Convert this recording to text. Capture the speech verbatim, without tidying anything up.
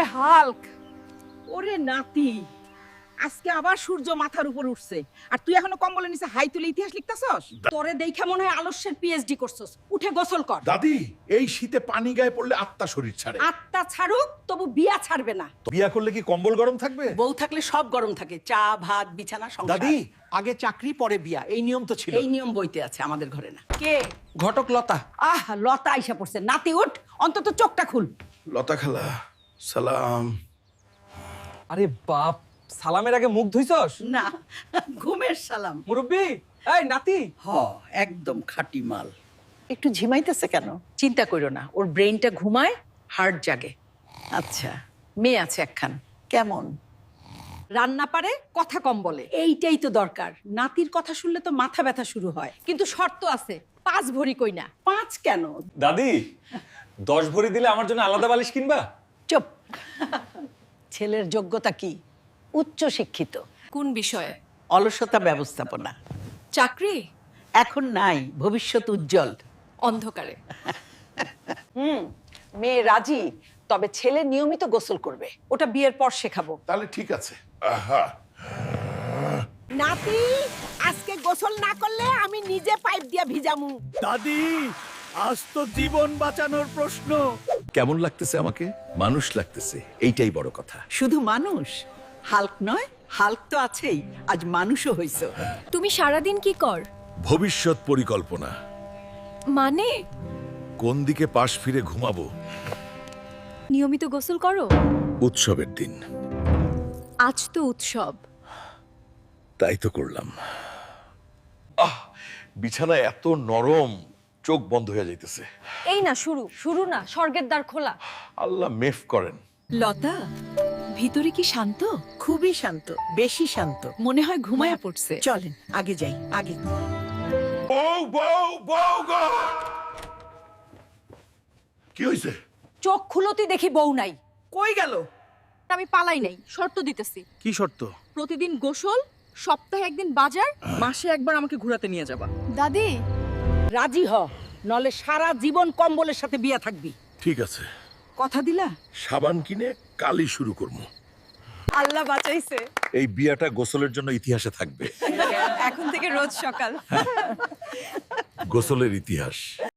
Hulk. ওরে নাতি, আজকে আবার সূর্য মাথার উপর উঠছে আর তুই এখনো কম্বলের নিচে হাই তুলে ইতিহাস লিখতাছস? তোরে দেখে মনে হয় আলস্যের পিএইচডি করছস। উঠে গোসল কর। দাদি, এই শীতে পানি গায়ে পড়লে আত্মা শরীর ছাড়ে। আত্মা ছাড়ুক, তবু বিয়া ছাড়বে না। বিয়া করলে কি কম্বল গরম থাকবে? বউ থাকলে সব গরম থাকে, চা ভাত বিছানা সংসার। দাদি, আগে চাকরি পরে বিয়া, এই নিয়ম তো ছিল। এই নিয়ম বইতে আছে, আমাদের ঘরে না। কে? ঘটক লতা। আহ, লতা আইসা পড়ছে। নাতি উঠ, অন্তত চোখটা খুল। লতা খালা, সালাম। আরে বাপ, সালামের আগে মুখ ধুইছস? না, ঘুমের সালাম। মুরব্বি, এই নাতি। হ, একদম খাঁটি মাল। একটু ঝিমাইতেছে কেন? চিন্তা কইরো না, ওর ব্রেইনটা ঘুমায়, হার্ট জাগে। আচ্ছা, মেয়ে আছে একখান। কেমন? রান্না পারে, কথা কম বলে। এইটাই তো দরকার। নাতির কথা শুনলে তো মাথা ব্যথা শুরু হয়। কিন্তু শর্ত আছে, পাঁচ ভরি কই না। পাঁচ কেন? দাদি, দশ ভরি দিলে আমার জন্য আলাদা বালিশ কিনবা? চুপ। ছেলের যোগ্যতা কি? উচ্চ শিক্ষিত। কোন বিষয়ে? অলসতা ব্যবস্থাপনা। চাকরি? এখন নাই, ভবিষ্যৎ উজ্জ্বল। অন্ধকারে। হুম, মেয়ে রাজি, তবে ছেলে নিয়মিত গোসল করবে। ওটা বিয়ের পর শেখাবো। তাহলে ঠিক আছে। আহা, নাতি, আজকে গোসল না করলে আমি নিজে পাইপ দিয়া ভিজামু। দাদি, আজ তো জীবন বাঁচানোর প্রশ্ন। কেমন লাগতেছে আমাকে? মানুষ লাগতেছে, এইটাই বড় কথা। শুধু মানুষ, হাল্ক নয়, হাল্ক তো আছেই, আজ মানুষও হইছো। তুমি সারাদিন কি কর? ভবিষ্যৎ পরিকল্পনা। মানে কোন দিকে পাশ ফিরে ঘুমাবো? নিয়মিত গোসল করো? উৎসবের দিন আজ তো উৎসব। তাই তো করলাম। আহ, বিছানা এত নরম, চোখ বন্ধ হয়ে যাইতেছে। এই না শুরু, শুরু না, স্বর্গের দ্বার খোলা। আল্লাহ মেফ করেন। লতা, ভিতরে কি শান্ত? খুবই শান্ত, বেশি শান্ত। মনে হয় ঘুমায়া পড়ছে। চলেন আগে যাই, আগে। বউ বউ বউ গো! কি হইছে? চোখ খুলতি দেখি বউ নাই। কই গেল? আমি পালাই নাই, শর্ত দিতেছি। কি শর্ত? প্রতিদিন গোসল, সপ্তাহে একদিন বাজার, মাসে একবার আমাকে ঘোরাতে নিয়ে যাবা। দাদি। রাজি হ, নলে সারা জীবন কম্বলের সাথে বিয়া থাকবি। ঠিক আছে, কথা দিলা? সাবান কিনে কালই শুরু করবো। আল্লাহ বাঁচাইছে। এই বিয়াটা গোসলের জন্য ইতিহাসে থাকবে। এখন থেকে রোজ সকাল। গোসলের ইতিহাস।